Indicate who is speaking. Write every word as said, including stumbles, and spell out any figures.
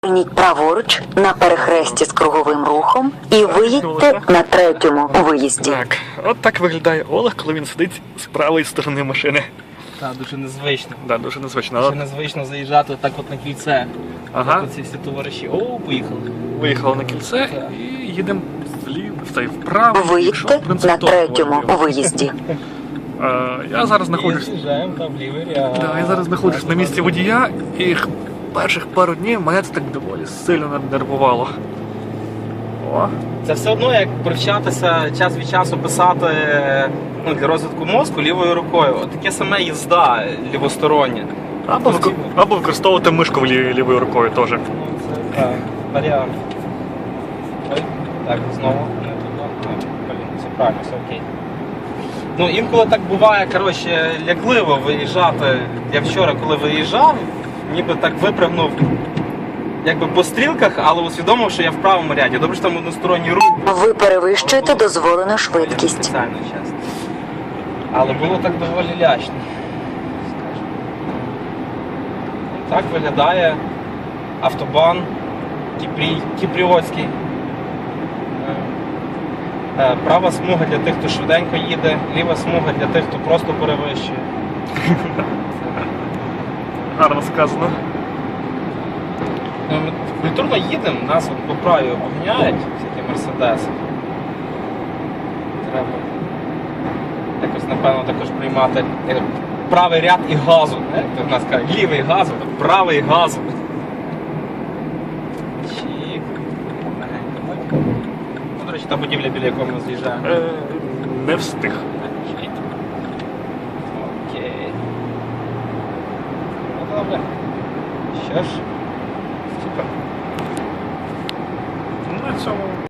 Speaker 1: Зверніть праворуч на перехресті з круговим рухом і виїдьте на третьому виїзді.
Speaker 2: Так, от так виглядає Олег, коли він сидить з правої сторони машини.
Speaker 3: Так, дуже незвично.
Speaker 2: Да, дуже незвично.
Speaker 3: Дуже
Speaker 2: От
Speaker 3: незвично заїжджати так от на кільце.
Speaker 2: Ага.
Speaker 3: Так, ці всі товариші. О, поїхали.
Speaker 2: Виїхали на кільце
Speaker 3: Так.
Speaker 2: і їдемо вліво, в цей вправо.
Speaker 1: Виїдьте на третьому виїзді.
Speaker 2: Е, Я зараз знаходжусь.
Speaker 3: З'їжджаємо там в лівий ряд.
Speaker 2: Да, я зараз знаходжусь на місці водія, і перших пару днів мене це так доволі сильно нервувало. О,
Speaker 3: Це все одно як привчатися час від часу писати ну, для розвитку мозку лівою рукою. От таке саме їзда лівостороння.
Speaker 2: або, вик- або використовувати мишку лі- лівою рукою теж.
Speaker 3: Ну, це так, варіант. Ой, так, знову не туди. Ну, блін, все правильно, все окей. Ну, інколи так буває, коротше, лякливо виїжджати. Я вчора, коли виїжджав, ніби так випрыгнув якби по стрілках, але усвідомив, що я в правому ряді. Добре, що там односторонній рух.
Speaker 1: Ви перевищуєте дозволену швидкість.
Speaker 3: Спеціально, чесно. Але було так доволі лячно. Скажімо. Так виглядає автобан Кіпрій, Кіпріотський. Е, е, Права смуга для тих, хто швиденько їде, ліва смуга для тих, хто просто перевищує.
Speaker 2: Гарно сказано.
Speaker 3: Ну, Ми культурно їдемо, нас от по праві обганяють всякі мерседеси. Треба якось, напевно, також приймати як правий ряд і газу. Не? Як в нас кажуть, лівий газу, то правий газу. Чік. Легенько. Ну, до речі, та будівля, біля якої ми з'їжджаємо.
Speaker 2: Е, Не встиг.
Speaker 3: Чік. Окей. Ну добре. Що ж?
Speaker 2: Ну, на цьому